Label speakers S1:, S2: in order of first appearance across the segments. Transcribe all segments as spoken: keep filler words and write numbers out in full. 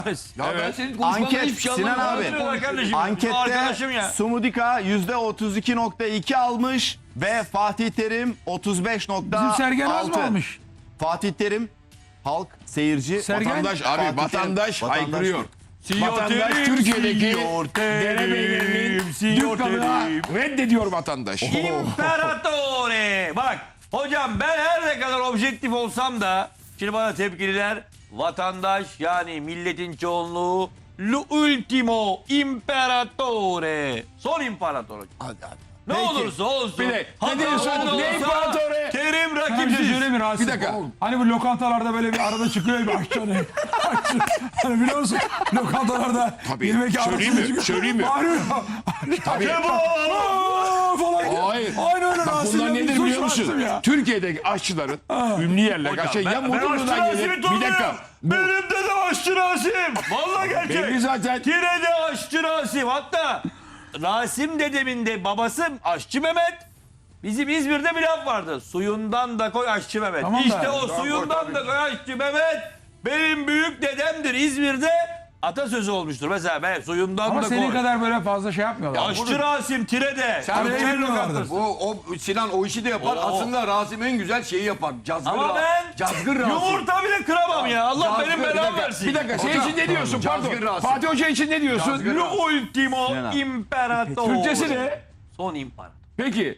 S1: Ya
S2: Evet.
S1: ben senin konuşmandan
S3: Anket
S1: hiçbir şey
S3: Sinan
S1: anlamadım.
S3: abi.
S4: Kardeşim,
S3: Ankette
S4: arkadaşım ya.
S3: Sumudika yüzde otuz iki nokta iki almış ve Fatih Terim otuz beş nokta altı.
S5: Bizim Sergen az mı almış?
S3: Fatih Terim halk, seyirci,
S5: Sergen-
S2: Vatandaş abi
S3: Fatih Terim,
S2: vatandaş
S3: vatandaş
S2: haykırıyor.
S4: Siyor
S2: Vatandaş
S4: Terim,
S2: Türkiye'deki
S4: Siyor Terim,
S2: derebeylerinin
S4: Siyor
S2: dükkanına
S4: Terim.
S2: reddediyor vatandaş.
S4: İmparator'e. Bak hocam ben her ne kadar objektif olsam da şimdi bana tepkililer vatandaş yani milletin çoğunluğu l'ultimo imperatore. Son imparator.
S1: Hadi hadi.
S4: Ne
S2: Peki.
S4: olursa olsun.
S2: Bir de,
S4: hatta
S2: ne diyorsun?
S4: olsa
S2: Ne imperatore?
S4: Terim
S5: Sana bir şey
S4: rakipsiz.
S5: söyleyeyim mi Rasim?
S2: Bir dakika.
S5: Hani bu lokantalarda böyle bir arada çıkıyor ya bir aşçı hani. Aşçı. Hani biliyor musun? Lokantalarda
S2: Tabii.
S5: yemek
S2: Söyleyeyim
S5: arasında
S2: mi?
S5: çıkıyor.
S2: Söyleyeyim mi?
S5: Bağırıyor.
S2: Tabii.
S5: Aa, falan.
S2: Hayır.
S5: Aynı öyle
S2: Bak
S5: Rasim'le
S2: bunlar
S5: bir
S2: nedir
S5: suç
S2: biliyor musun?
S5: Rasim ya.
S2: Türkiye'deki aşçıların ünlü yerler.
S4: Hocam,
S2: Şey, ya
S4: ben- ben aşçı
S2: Mudurnu'dan
S4: Rasim'i
S2: gelir. Bir
S4: tanıyorum.
S2: dakika. Bu,
S4: Benim dedem aşçı Rasim. Vallahi gerçek.
S2: belli zaten.
S4: Tire'de aşçı Rasim. Hatta Rasim dedemin de babası aşçı Mehmet. Bizim İzmir'de bir laf vardı. Suyundan da koy aşçı Mehmet.
S5: Tamam da-
S4: işte o suyundan da koy aşçı Mehmet. Benim büyük dedemdir. İzmir'de atasözü olmuştur. Mesela ben suyundan
S5: Ama
S4: da
S5: senin
S4: koy.
S5: kadar böyle fazla şey yapmıyorlar.
S4: Aşçı Rasim Tire'de.
S5: Sen
S4: Gökçen
S5: de bilmiyorlardır.
S4: lokantası.
S1: Bu o Sinan o işi de yapar.
S4: Oo.
S1: Aslında Rasim en güzel şeyi yapar. Cazgır
S4: Ama
S1: Ra-
S4: ben
S1: Cazgır Rasim.
S4: yumurta bile kıramam ya. Allah
S1: Cazgır,
S4: benim
S1: bir
S4: belamı
S1: dakika,
S4: versin.
S2: Bir dakika. Şey
S1: Hocam,
S2: için ne diyorsun?
S1: Cazgır
S2: Pardon.
S1: Rasim.
S2: Fatih Hoca için ne diyorsun?
S1: Cazgır
S4: Lo ultimo
S3: Sinan.
S4: imperatore.
S2: Türkçesi ne?
S4: Son imparator.
S2: Peki.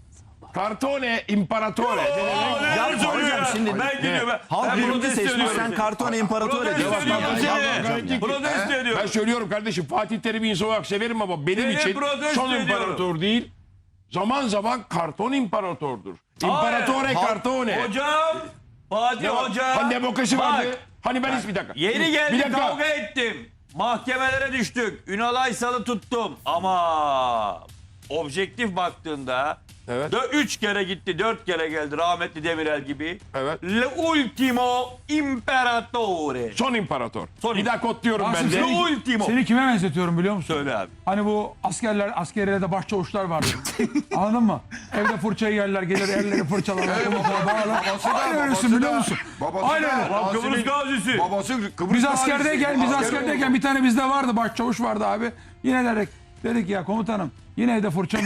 S2: Cartone Imperatore. ne demek?
S3: Yapma hocam şimdi.
S4: Ben gidiyorum. Ben,
S3: Halk
S4: ben
S3: birinci
S4: protesto
S3: seçmiş,
S4: ediyorum.
S3: sen Kartone İmparator
S4: Protesto
S3: ediyorsun.
S4: ediyorum
S2: bak,
S4: seni.
S2: bak, bak, bak.
S4: Protesto
S2: Ben
S4: ediyorum.
S2: söylüyorum kardeşim Fatih Terim'i insan olarak severim ama benim
S4: Seni
S2: için
S4: protesto
S2: son
S4: ediyorum.
S2: imparator değil. Zaman zaman karton imparatordur. İmparatore
S3: Halk-
S2: kartone.
S4: Hocam. Fatih
S2: Ne var?
S4: Hoca.
S2: Hani demokrasi
S4: Bak,
S2: vardı. Hani ben hiç bir dakika.
S4: Yeni
S2: Bir
S4: geldi
S2: dakika.
S4: kavga ettim. Mahkemelere düştük. Ünal Aysal'ı tuttum. Ama objektif baktığında
S2: Evet.
S4: dö- üç kere gitti, dört kere geldi rahmetli Demirel gibi.
S2: Evet.
S4: Le ultimo imperatore.
S2: Son imparator.
S4: Son
S2: bir daha kodluyorum
S5: Rasim,
S2: ben de.
S4: Le ultimo.
S5: Seni kime benzetiyorum biliyor musun?
S4: Söyle abi.
S5: Hani bu askerler, askeriyede başçavuşlar vardı. Anladın mı? Evde fırçayı yerler, gelir elleri fırçalarlar. komutana bağırırlar.
S1: babası da,
S5: Aynı öylesin
S1: babası
S5: biliyor
S1: da.
S5: musun?
S1: Babası
S5: Aynen
S1: da.
S5: öyle.
S4: Lan
S1: Rasim'in-
S4: Kıbrıs gazisi.
S1: Babası Kıbrıs
S5: Biz
S1: gazisi.
S5: askerdeyken, biz
S1: Asker
S5: askerdeyken
S1: oldu.
S5: bir tane bizde vardı, başçavuş vardı abi. Yine dedik, dedik ya komutanım, yine evde fırça